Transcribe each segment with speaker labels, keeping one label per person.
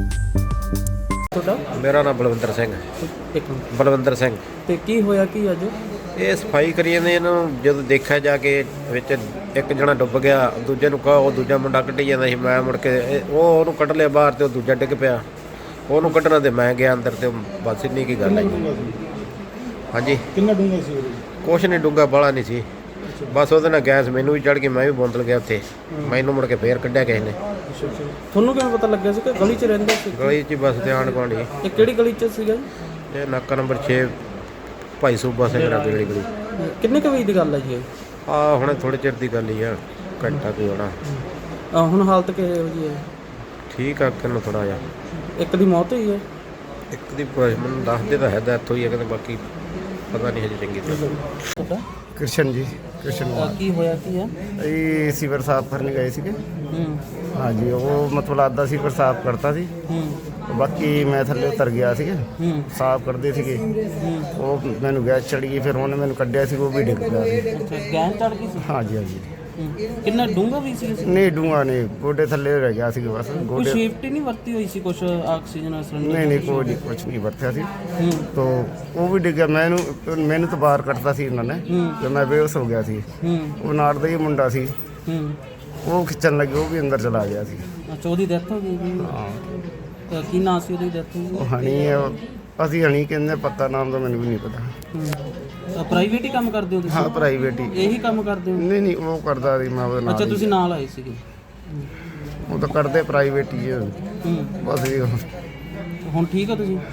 Speaker 1: ਤੁਹਾਡਾ?
Speaker 2: ਮੇਰਾ ਨਾਮ ਬਲਵਿੰਦਰ ਸਿੰਘ।
Speaker 1: ਇੱਕ ਮਿੰਟ।
Speaker 2: ਬਲਵਿੰਦਰ ਸਿੰਘ।
Speaker 1: ਤੇ ਕੀ ਹੋਇਆ ਕੀ ਅੱਜ?
Speaker 2: ਇਹ ਸਫਾਈ ਕਰੀ ਜਾਂਦੇ, ਇਹਨੂੰ ਜਦੋਂ ਦੇਖਿਆ ਜਾ ਕੇ ਵਿੱਚ ਇੱਕ ਜਣਾ ਡੁੱਬ ਗਿਆ, ਦੂਜੇ ਨੂੰ ਕਹਾ, ਉਹ ਦੂਜਾ ਮੁੰਡਾ ਕੱਢੀ ਜਾਂਦਾ ਸੀ। ਮੈਂ ਮੁੜ ਕੇ ਉਹਨੂੰ ਕੱਢ ਲਿਆ ਬਾਹਰ, ਤੇ ਉਹ ਦੂਜਾ ਡਿੱਗ ਪਿਆ। ਉਹਨੂੰ ਕੱਢਣਾ ਤੇ ਮੈਂ ਗਿਆ ਅੰਦਰ, ਤੇ ਬਸ ਇੰਨੀ ਕੀ ਗੱਲ ਹੈ ਜੀ। ਹਾਂਜੀ,
Speaker 3: ਕਿੰਨਾ ਡੂੰਘਾ ਸੀ?
Speaker 2: ਕੁਛ ਨਹੀਂ ਡੂੰਘਾ, ਬਾਹਲਾ ਨਹੀਂ ਸੀ। ਬਸ ਉਹਦੇ ਨਾਲ ਗੈਸ ਮੈਨੂੰ ਵੀ ਚੜ੍ਹ ਗਈ, ਮੈਂ ਵੀ ਬੋਤਲ ਗਿਆ ਉੱਥੇ। ਮੈਨੂੰ ਮੁੜ ਕੇ ਫੇਰ ਕੱਢਿਆ ਕਿਸੇ ਨੇ।
Speaker 1: ਤੁਹਾਨੂੰ ਕਿਵੇਂ ਪਤਾ ਲੱਗਿਆ ਸੀ ਕਿ ਗਲੀ 'ਚ ਰਹਿੰਦੇ ਸੀ?
Speaker 2: ਗਲੀ 'ਚ ਬਸ ਤੇ ਆਂਢ ਗੁਆਂਢ ਜੀ।
Speaker 1: ਇਹ ਕਿਹੜੀ ਗਲੀ 'ਚ ਸੀਗਾ ਜੀ?
Speaker 2: ਇਹ ਨਾਕਾ ਨੰਬਰ 6 ਭਾਈ ਸੂਬਾ ਸਿੰਘ ਰਾਗੇ ਵਾਲੀ ਗਲੀ।
Speaker 1: ਕਿੰਨੇ ਕੁ ਵਜੇ ਦੀ ਗੱਲ ਹੈ ਜੀ ਇਹ?
Speaker 2: ਹੁਣ ਥੋੜ੍ਹੇ ਚਿਰ ਦੀ ਗੱਲ ਹੀ ਆ, ਘੰਟਾ ਕੋਈ ਹੋਣਾ।
Speaker 1: ਹੁਣ ਹਾਲਤ ਕਿਹੋ ਜਿਹੀ ਹੈ?
Speaker 2: ਠੀਕ ਆ, ਕਿੰਨਾ ਥੋੜ੍ਹਾ ਜਿਹਾ।
Speaker 1: ਇੱਕ ਦੀ ਮੌਤ ਹੋਈ ਹੈ?
Speaker 2: ਇੱਕ ਦੀ ਮੈਨੂੰ ਦੱਸਦੇ ਤਾਂ ਹੈ ਡੈਥ ਹੋਈ ਹੈ, ਕਹਿੰਦੇ ਬਾਕੀ ਪਤਾ ਨਹੀਂ ਹਜੇ ਚੰਗੀ ਤਰ੍ਹਾਂ।
Speaker 1: ਤੁਹਾਡਾ?
Speaker 3: ਕ੍ਰਿਸ਼ਨ ਜੀ, ਕ੍ਰਿਸ਼ਨ
Speaker 1: ਕੀ ਹੋਇਆ ਕੀ ਹੈ?
Speaker 3: ਇਹ ਸੀਵਰ ਸਾਫ਼ ਕਰਨ ਗਏ ਸੀਗੇ। ਹਾਂਜੀ, ਉਹ ਮਤਲਬ ਅੱਧਾ ਸੀਵਰ ਸਾਫ਼ ਕਰਤਾ ਸੀ। ਬਾਕੀ ਮੈਂ ਥੱਲੇ ਉਤਰ ਗਿਆ ਸੀਗਾ, ਸਾਫ਼ ਕਰਦੇ ਸੀਗੇ। ਉਹ ਮੈਨੂੰ ਗੈਸ ਚੜ ਗਈ, ਫਿਰ ਉਹਨੇ ਮੈਨੂੰ ਕੱਢਿਆ ਸੀ, ਉਹ ਵੀ ਡਿੱਗ ਪਿਆ ਸੀ।
Speaker 1: ਗੈਸ ਚੜ ਗਈ ਸੀ?
Speaker 3: ਹਾਂਜੀ ਹਾਂਜੀ।
Speaker 1: ਕਿੰਨਾ ਡੂੰਘਾ ਵੀ ਸੀ?
Speaker 3: ਨਹੀਂ ਡੂੰਘਾ ਨਹੀਂ, ਗੋਡੇ ਥੱਲੇ ਰਹਿ ਗਿਆ ਸੀ ਬਸ।
Speaker 1: ਕੋਈ
Speaker 3: ਗੋਡੇ
Speaker 1: ਸੇਫਟੀ ਨਹੀਂ ਵਰਤੀ ਹੋਈ ਸੀ? ਕੁਛ ਆਕਸੀਜਨ ਸਿਲੰਡਰ?
Speaker 3: ਨਹੀਂ ਕੁਛ ਨਹੀਂ ਵਰਤਿਆ ਸੀ। ਤੋ ਉਹ ਵੀ ਡਿੱਗਿਆ। ਮੈਨੂੰ ਤਾਂ ਬਾਹਰ ਕੱਢਤਾ ਸੀ ਇਹਨਾਂ ਨੇ, ਤੇ ਮੈਂ ਬੇਹੋਸ਼ ਹੋ ਗਿਆ ਸੀ। ਉਹ ਨਾਲ ਦਾ ਹੀ ਮੁੰਡਾ ਸੀ, ਉਹ ਖਿੱਚਣ ਲੱਗੇ, ਉਹ ਵੀ ਅੰਦਰ ਚਲਾ ਗਿਆ ਸੀ।
Speaker 1: ਅੱਛਾ, ਉਹਦੀ ਡੈਥ ਹੋ ਗਈ ਜੀ?
Speaker 3: ਹਾਂ।
Speaker 1: ਕੀ ਨਾਂ ਸੀ ਉਹਦੀ ਡੈਥ ਹੋਈ?
Speaker 3: ਉਹ ਹਣੀ ਹੈ, ਅਸੀਂ ਹਣੀ ਕਹਿੰਦੇ, ਪਤਾ ਨਾਮ ਦਾ ਮੈਨੂੰ ਵੀ ਨਹੀਂ ਪਤਾ।
Speaker 1: ਪ੍ਰਾਈਵੇਟ ਹੀ ਕੰਮ ਕਰਦੇ ਹੋ ਤੁਸੀਂ?
Speaker 3: ਹਾਂ, ਪ੍ਰਾਈਵੇਟ ਹੀ।
Speaker 1: ਇਹੀ ਕੰਮ ਕਰਦੇ ਹੋ?
Speaker 3: ਨਹੀਂ ਉਹ ਕਰਦਾ ਸੀ, ਮੈਂ ਉਹਦੇ ਨਾਲ।
Speaker 1: ਅੱਛਾ, ਤੁਸੀਂ ਨਾਲ ਆਏ ਸੀਗੇ?
Speaker 3: ਉਹ ਤਾਂ ਕਰਦੇ ਪ੍ਰਾਈਵੇਟ ਹੀ ਹੈ ਬਸ।
Speaker 1: ਹੁਣ ਠੀਕ ਹੋ ਤੁਸੀਂ?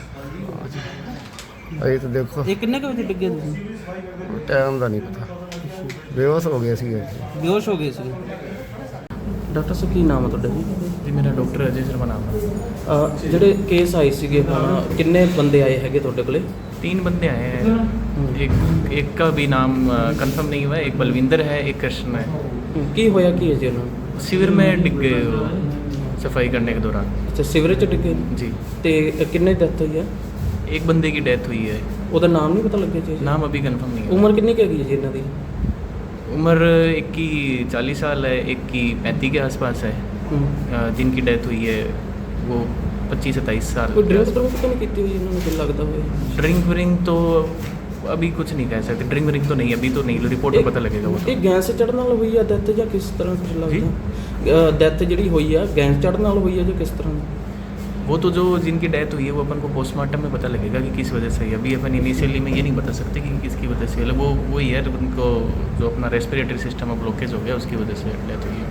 Speaker 3: ਇਹ ਤਾਂ ਦੇਖੋ,
Speaker 1: ਇਹ ਕਿੰਨੇ ਕੁ ਵਜੇ ਡਿੱਗੇ ਤੁਸੀਂ?
Speaker 3: ਟਾਈਮ ਦਾ ਨਹੀਂ ਪਤਾ, ਬੇਹੋਸ਼ ਹੋ ਗਏ ਸੀਗੇ।
Speaker 1: ਬੇਹੋਸ਼ ਹੋ ਗਏ ਸੀਗੇ। ਡਾਕਟਰ ਸਾਹਿਬ, ਕੀ ਨਾਮ ਹੈ ਤੁਹਾਡਾ ਜੀ?
Speaker 4: ਜੀ ਮੇਰਾ ਡਾਕਟਰ ਅਜੇ ਸ਼ਰਮਾ ਨਾਮ है।
Speaker 1: ਜਿਹੜੇ ਕੇਸ ਆਏ ਸੀਗੇ, ਕਿੰਨੇ ਬੰਦੇ ਆਏ ਹੈਗੇ ਤੁਹਾਡੇ ਕੋਲੇ?
Speaker 4: 3 बंदे आए हैं। एक का भी नाम कंफर्म नहीं हुआ है। एक बलविंदर है, एक कृष्ण है।
Speaker 1: ਕੀ ਹੋਇਆ ਕੀ ਹੈ ਜੀ ਉਹਨਾਂ ਨੂੰ?
Speaker 4: शिविर में डिग गए वो सफाई करने के दौरान।
Speaker 1: ਅੱਛਾ, ਸੀਵਰੇਜ 'ਚ ਡਿੱਗੇ?
Speaker 4: जी,
Speaker 1: ਤੇ ਕਿੰਨੇ ਡੈਥ ਹੋਈ ਹੈ?
Speaker 4: एक बंदे की डेथ हुई है।
Speaker 1: ਉਹਦਾ ਨਾਮ ਨਹੀਂ ਪਤਾ ਲੱਗਿਆ ਜੀ?
Speaker 4: नाम अभी कंफर्म नहीं हुआ।
Speaker 1: ਉਮਰ ਕਿੰਨੀ ਕੁ ਹੈਗੀ ਹੈ ਜੀ ਇਹਨਾਂ ਦੀ?
Speaker 4: उम्र एक की 40 साल है, एक की 35 के आसपास है। जिनकी डेथ हुई है वो 25-27 साल।
Speaker 1: ਕੋਈ ਡਰਿੰਕ ਤਾਂ ਨਹੀਂ ਕੀਤੀ ਹੋਈ ਇਹਨਾਂ ਨੂੰ, ਕੋਈ ਲੱਗਦਾ ਹੋਵੇ?
Speaker 4: ड्रिंक व्रिंक तो अभी कुछ नहीं कह सकते। ड्रिंक व्रिंक तो नहीं, अभी तो नहीं, रिपोर्ट में पता लगेगा वो।
Speaker 1: ਇਹ ਗੈਸ ਚੜਨ ਨਾਲ ਹੋਈ ਆ ਡੈਥ, ਜਾਂ ਕਿਸ ਤਰ੍ਹਾਂ ਕੁਝ ਲੱਗਦਾ? ਡੈਥ ਜਿਹੜੀ ਹੋਈ ਆ ਗੈਸ ਚੜਨ ਨਾਲ ਹੋਈ ਆ ਜਾਂ ਕਿਸ ਤਰ੍ਹਾਂ?
Speaker 4: वो तो जो जिनकी डेथ हुई है वो अपन को पोस्टमार्टम में पता लगेगा कि किस वजह से हुई। अभी अपन इनिशियली में ये नहीं बता सकते कि किसकी वजह से। मतलब वो वही है, उनको जो अपना रेस्पिरेटरी सिस्टम में ब्लॉकेज हो गया, उसकी वजह से डेथ हुई है।